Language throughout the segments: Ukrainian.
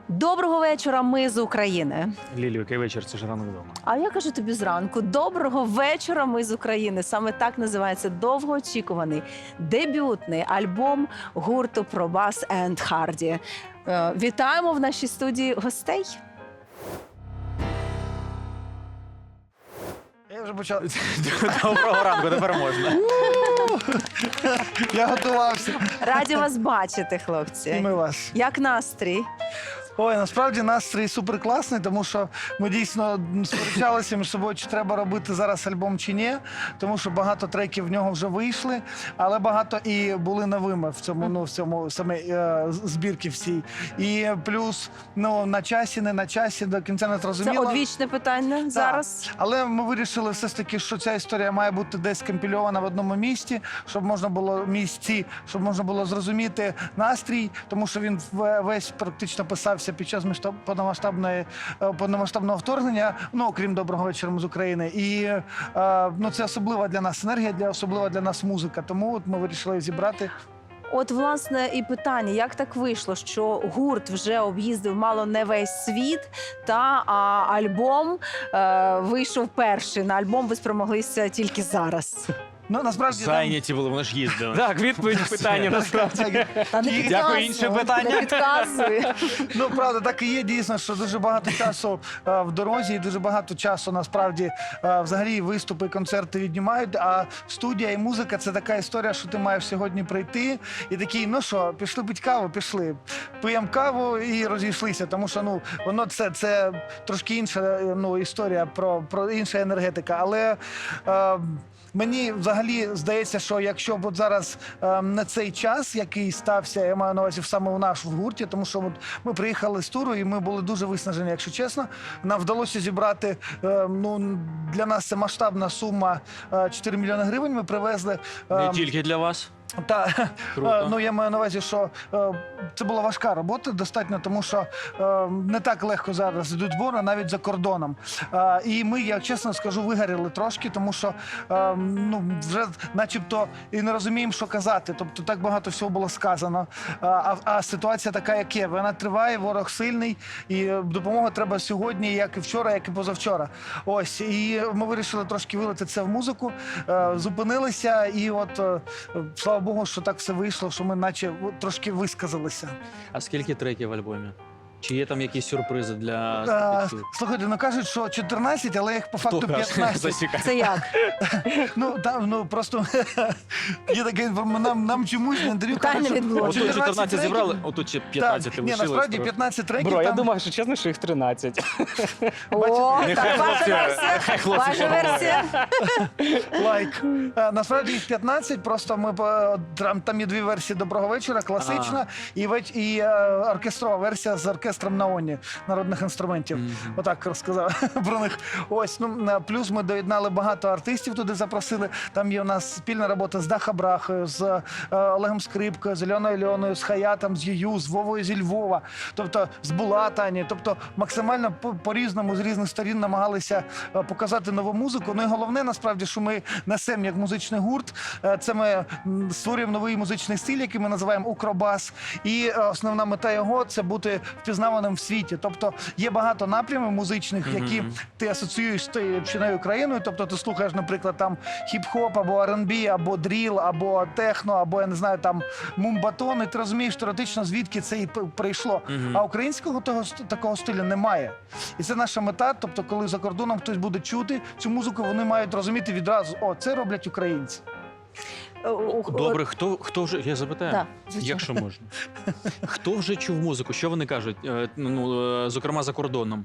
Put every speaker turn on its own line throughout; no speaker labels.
Доброго вечора, ми з України.
Лілю, який вечір? Це ж ранок вдома.
А я кажу тобі зранку: доброго вечора, ми з України. Саме так називається довгоочікуваний дебютний альбом гурту Пробас енд Харді. Вітаємо в нашій студії гостей.
Я вже почав.
Доброго ранку, тепер можна.
Я готувався.
Раді вас бачити,
І
хлопці.
ми вас.
Як настрій?
Ой, насправді настрій суперкласний, тому що ми дійсно сперечалися між собою, чи треба робити зараз альбом чи ні, тому що багато треків в нього вже вийшли, але багато і були новими в цьому саме збірки всій. І плюс на часі, не на часі, до кінця не
Це
зрозуміло.
одвічне питання зараз.
Але ми вирішили все ж таки, що ця історія має бути десь компільована в одному місці, щоб можна було зрозуміти настрій, тому що він весь практично писався під час повномасштабного вторгнення, окрім «Доброго вечора, ми з України». І це особлива для нас енергія, особлива для нас музика. Тому от ми вирішили зібрати.
От, власне, і питання, як так вийшло, що гурт вже об'їздив мало не весь світ, а альбом вийшов перший. На альбом ви спромоглися тільки зараз.
Насправді
Зайняті були, вони ж їздили. Так, відповідь питання насправді.
Та не підказуй,
Дякую, інше питання.
не підказуй.
Правда, так і є дійсно, що дуже багато часу в дорозі і дуже багато часу насправді взагалі виступи, і концерти віднімають, а студія і музика – це така історія, що ти маєш сьогодні прийти і такий, пішли пить каву, пішли. П'ємо каву і розійшлися, тому що воно це трошки інша історія, про інша енергетика, але мені взагалі здається, що якщо б от зараз не цей час, який стався, я маю на увазі саме у нас в гурті, тому що ми приїхали з туру і ми були дуже виснажені, якщо чесно. Нам вдалося зібрати, для нас це масштабна сума 4 мільйони гривень ми привезли.
Не тільки для вас.
Круто. Я маю на увазі, що це була важка робота достатньо, тому що не так легко зараз йдуть збори, навіть за кордоном. І ми, я чесно скажу, вигоріли трошки, тому що вже начебто і не розуміємо, що казати. Тобто так багато всього було сказано. А ситуація така, як є. Вона триває, ворог сильний, і допомога треба сьогодні, як і вчора, як і позавчора. Ось, і ми вирішили трошки вилити це в музику, зупинилися, і от, слава Богу, що так все вийшло, що ми наче трошки висказалися.
А скільки треків в альбомі? Чи є там якісь сюрпризи для слухачів?
Слухайте, кажуть, що 14, але їх по факту 15.
Це як?
Просто є таке інформація, нам чомусь на інтерв'ю
Питання
кажуть,
від блогерів.
Отут 14 зібрали, отут ще 15 лишилось.
насправді 15 треків.
Бро, я
там-
думаю, що чесно, що їх 13.
О,
Нехай
так, ваша
хлопці-
версія.
нехай хлопці
Ваша
поговорять.
версія.
Лайк. Насправді їх 15, просто ми там є дві версії «Доброго вечора», класична і оркестрова версія з оркестром Наоні, народних інструментів. Отак розказав про них. Ось, плюс ми доєднали багато артистів, туди запросили. Там є у нас спільна робота з Даха Брахою, з Олегом Скрипкою, з Альоною Льоною, з Хаятом, з Юю, з Вовою зі Львова, тобто з Булатані. Тобто максимально по-різному, з різних сторін намагалися показати нову музику. І головне, насправді, що ми несемо як музичний гурт. Це ми створюємо новий музичний стиль, який ми називаємо «Укробас». І основна мета його – це бути впізнаваним в світі. Тобто є багато напрямів музичних, які ти асоціюєш з тією чи не Україною. Тобто ти слухаєш, наприклад, там хіп-хоп, або R&B, або дріл, або техно, або, я не знаю, там мумбатон, і ти розумієш теоретично, звідки це і прийшло. А українського такого стилю немає. І це наша мета. Тобто, коли за кордоном хтось буде чути цю музику, вони мають розуміти відразу, це роблять українці.
Добре, хто вже, я запитаю,
Так, звичайно.
якщо можна. Хто вже чув музику? Що вони кажуть, зокрема за кордоном?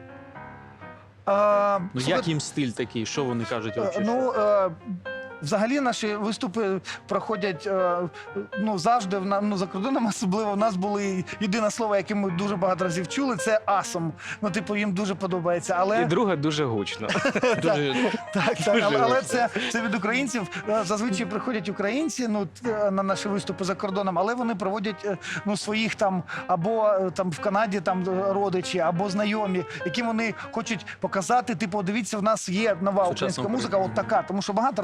Як їм стиль такий? Що вони кажуть?
Взагалі наші виступи проходять завжди за кордоном, особливо в нас було єдине слово, яке ми дуже багато разів чули, це «асом». Їм дуже подобається. Але
І друге дуже гучно.
але це від українців. Зазвичай приходять українці на наші виступи за кордоном, але вони проводять своїх там або там в Канаді родичі, або знайомі, яким вони хочуть показати, дивіться, в нас є нова українська музика, от така, тому що багато артистів є.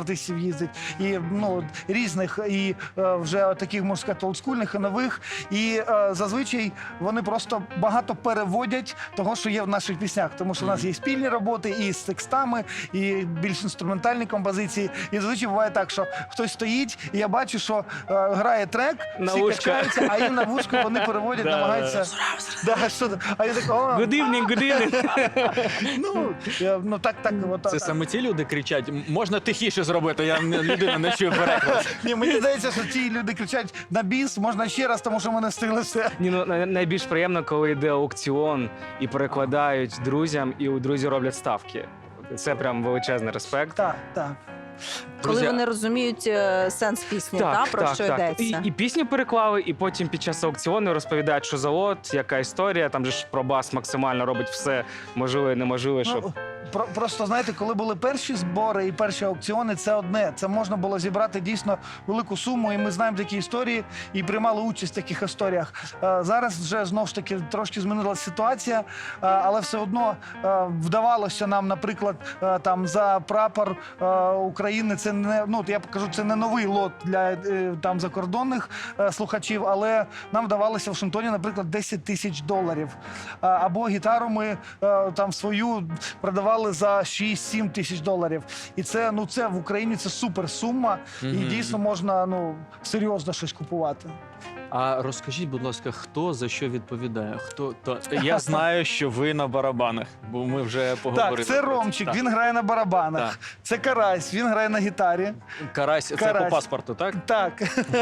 їздить, і ну, різних, і вже таких, можна сказати, олдскульних і нових. І зазвичай вони просто багато переводять того, що є в наших піснях. Тому що в нас є спільні роботи і з текстами, і більш інструментальні композиції. І зазвичай буває так, що хтось стоїть, і я бачу, що грає трек,
На
всі
вушко.
качаються, а їм на вушку вони переводять,
Да,
намагаються. Да, що це? А я так,
Good evening, good evening.
ну так, от
Це
так.
саме ці люди кричать, можна тихіше зробити, людина не чує переклад.
Ні, мені здається, що ті люди кричать на біс, можна ще раз, тому що ми не встигли все.
Ні, ну найбільш приємно, коли йде аукціон і перекладають друзям, і у друзі роблять ставки. Це прям величезний респект.
Так.
Коли
Друзі,
вони розуміють сенс пісні, про що йдеться.
І пісню переклали, і потім під час аукціону розповідають, що за лот, яка історія. Там же ж Пробас максимально робить все можливе і неможливе, щоб...
Ну, просто знаєте, коли були перші збори і перші аукціони, це одне. Це можна було зібрати дійсно велику суму, і ми знаємо такі історії і приймали участь в таких історіях. Зараз вже знову ж таки трошки змінилася ситуація, але все одно вдавалося нам, наприклад, там за прапор України. Це не я покажу, це не новий лот для там закордонних слухачів, але нам вдавалося в Вашингтоні, наприклад, $10 000. Або гітару ми там свою продавали за 6-7 тисяч доларів. І це, це в Україні це супер сума, і дійсно можна серйозно щось купувати.
А розкажіть, будь ласка, хто за що відповідає? Я знаю, що ви на барабанах, бо ми вже поговорили.
Так, це Ромчик, він грає на барабанах.
Так.
Це Карась, він грає на гітарі.
Карась, це
Карась.
по паспорту, так?
Так.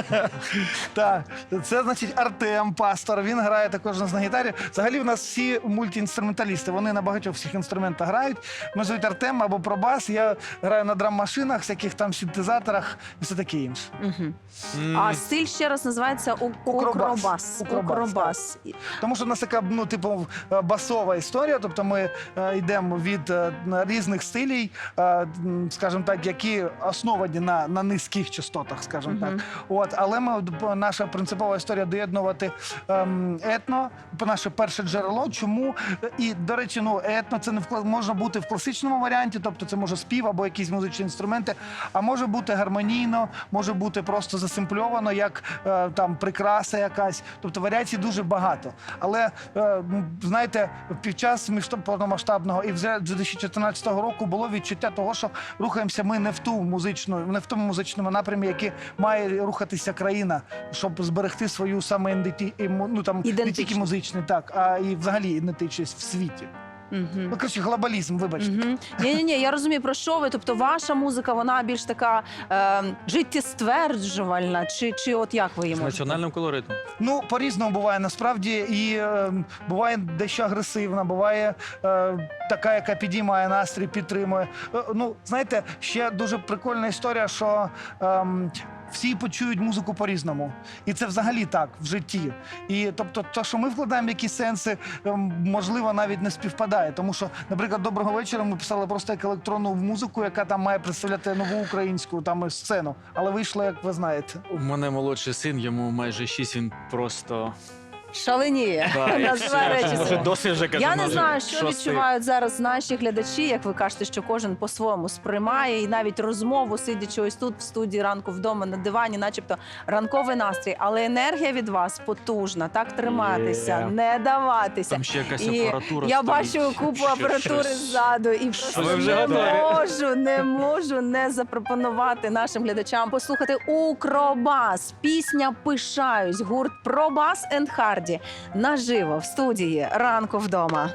Так. Це, значить, Артем Пастор, він грає також у нас на гітарі. Взагалі в нас всі мультиінструменталісти, вони на багатьох всіх інструментах грають. Ми звуть Артем або Пробас, я граю на драм-машинах, всяких там синтезаторах і все таке інше.
А стиль ще раз називається
Укробас.
Укробас.
Тому що в нас така, басова історія, тобто ми йдемо від різних стилів, скажімо так, які основані на низьких частотах, скажімо так. Але наша принципова історія доєднувати етно, наше перше джерело. Чому? І, до речі, етно це не може бути в класичному варіанті, тобто це може спів або якісь музичні інструменти, а може бути гармонійно, може бути просто засимпльовано, як там прикраса якась. Тобто варіацій дуже багато. Але, знаєте, під час повномасштабного і вже 2014 року було відчуття того, що рухаємося ми не в тому музичному напрямі, який має рухатися країна, щоб зберегти свою саме не тільки музичний, так, а і взагалі ідентичність в світі. Коротше, глобалізм, вибачте.
Ні, я розумію, про що ви. Тобто ваша музика, вона більш така життєстверджувальна, чи от як ви її
З
можете?
національним колоритом.
По-різному буває, насправді, і буває дещо агресивна, буває така, яка підіймає настрій, підтримує. Знаєте, ще дуже прикольна історія, що всі почують музику по-різному. І це взагалі так, в житті. І, тобто, те, що ми вкладаємо якісь сенси, можливо, навіть не співпадає. Тому що, наприклад, «Доброго вечора» ми писали просто як електронну музику, яка там має представляти нову українську сцену. Але вийшло, як ви знаєте.
У мене молодший син, йому майже 6, він просто...
Шаленіє. Називає речі.
Вже досить вже кажу.
Я не знаю, що
шостий.
відчувають зараз наші глядачі, як ви кажете, що кожен по-своєму сприймає, і навіть розмову, сидячи ось тут в студії «Ранку вдома» на дивані, начебто ранковий настрій, але енергія від вас потужна, так триматися, не даватися.
Там ще якась
І
апаратура
я
стоїть.
бачу купу апаратури ззаду, і просто
Ви вже
не можу не запропонувати нашим глядачам послухати «Укробас». Пісня «Пишаюсь», гурт «Пробас енд Харді» наживо в студії «Ранку вдома».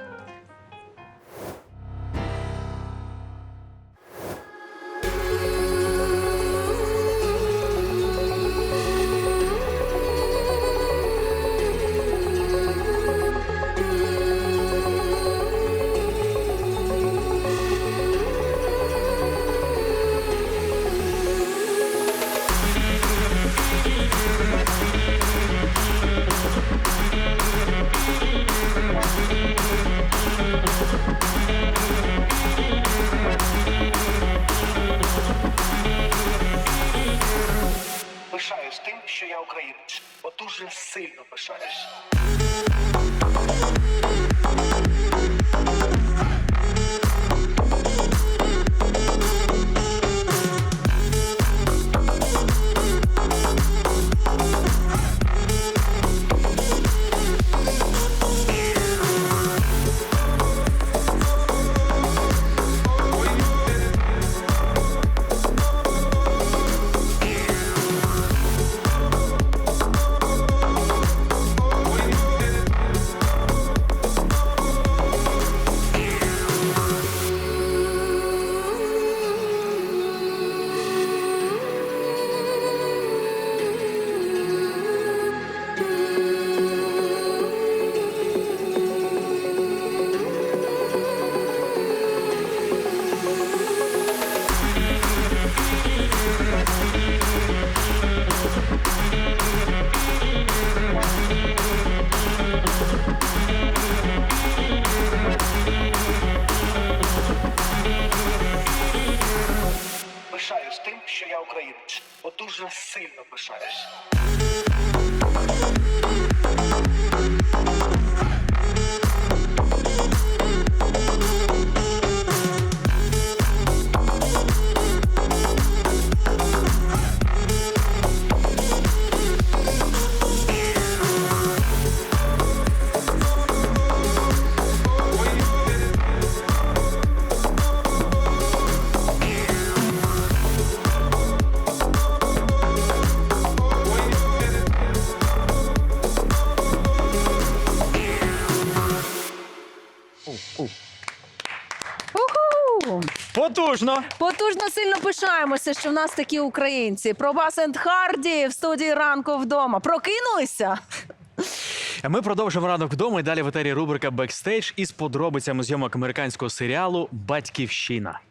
дуже сильно пишаюсь.
Уху!
Потужно!
Потужно сильно пишаємося, що в нас такі українці. Пробас енд Харді в студії «Ранку вдома». Прокинулися?
Ми продовжимо ранок вдома і далі в етері рубрика «Бекстейдж» із подробицями зйомок американського серіалу «Батьківщина».